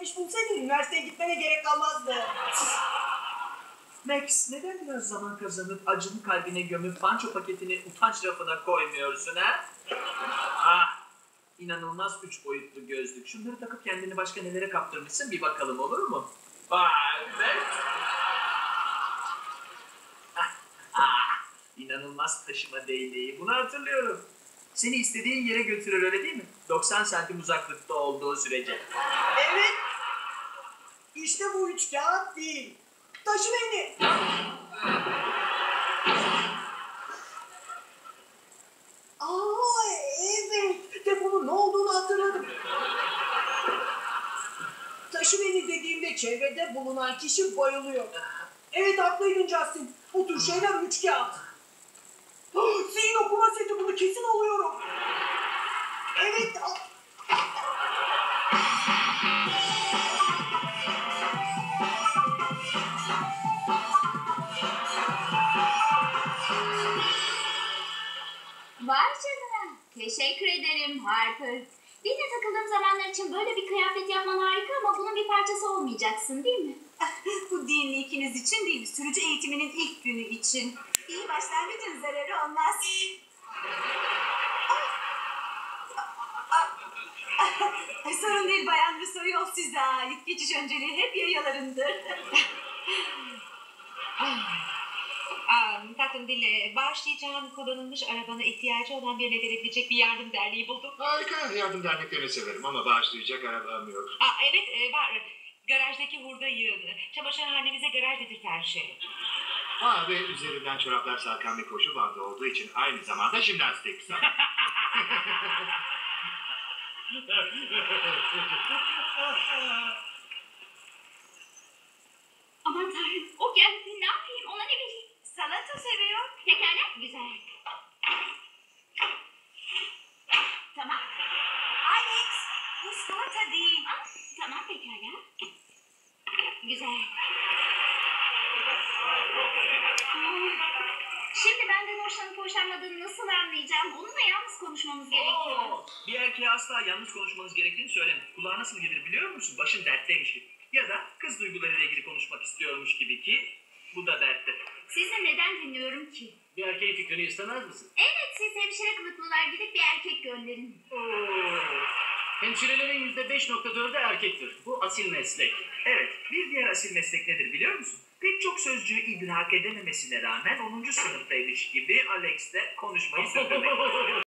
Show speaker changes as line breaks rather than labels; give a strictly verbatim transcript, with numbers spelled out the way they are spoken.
olarak iş bulsaydın üniversiteye gitmene gerek kalmazdı.
Max, neden biraz zaman kazanıp acını kalbine gömüp panço paketini utanç rafına koymuyorsun ha? Ah, inanılmaz üç boyutlu gözlük. Şunları takıp kendini başka nelere kaptırmışsın bir bakalım, olur mu? Vay be! Ah, ah, inanılmaz taşıma değneği. Bunu hatırlıyorum. Seni istediğin yere götürür, öyle değil mi? doksan santim uzaklıkta olduğu sürece.
Evet. İşte bu üç kağıt değil. Taşı beni. Aa evet. Deponun ne olduğunu hatırladım. Taşı beni dediğimde çevrede bulunan kişi bayılıyor. Evet haklıydın Justin. Bu tür şeyler üç kağıt. Zihin okuma seti, bunu kesin alıyorum. Evet.
Vay canına. Teşekkür ederim Harper. Dinle takıldığım zamanlar için böyle bir kıyafet yapman harika ama bunun bir parçası olmayacaksın değil mi?
Bu dinli ikiniz için değil, sürücü eğitiminin ilk günü için. İyi başlangıcın zararı olmaz. Sorun değil Bayan Russo, yol size ait. Geçiş önceliği hep yayalarındır.
Um, tatlım dinle, bağışlayacağım kullanılmış arabana ihtiyacı olan birine verebilecek bir yardım derneği buldum.
Harika, yardım derneklerini severim ama bağışlayacak arabam yok.
Aa, evet e, var. Garajdaki hurda yığını. Çamaşırhanemize garaj dedirten şey.
Ha ve üzerinden çoraplar sarkan bir koşu bandı olduğu için aynı zamanda jimnastik sanat.
Aman tanrım, o geldi, ne yapayım, ona ne bileyim.
Salata seviyor.
Pekala, güzel. Tamam.
Alex, bu salata değil.
Aa, tamam pekala. Güzel. Aa, şimdi benden hoşlanıp hoşlanmadığını nasıl anlayacağım? Onunla yalnız konuşmamız gerekiyor.
Oo, bir erkeğe asla yalnız konuşmanız gerektiğini söyleme. Kulağa nasıl gelir biliyor musun? Başın dertteymiş gibi. Ya da kız duygularıyla ilgili konuşmak istiyormuş gibi ki bu da dertte.
Sizi neden dinliyorum ki?
Bir erkeğin fikrini istemez misin?
Evet, siz hemşire kılıklılar gidip bir erkek gönderin.
Oo. Hemşirelerin yüzde beş nokta dördü erkektir. Bu asil meslek. Evet, bir diğer asil meslek nedir biliyor musun? Pek çok sözcüğü idrak edememesine rağmen onuncu sınıftaymış gibi Alex'le konuşmayı sürdürmek.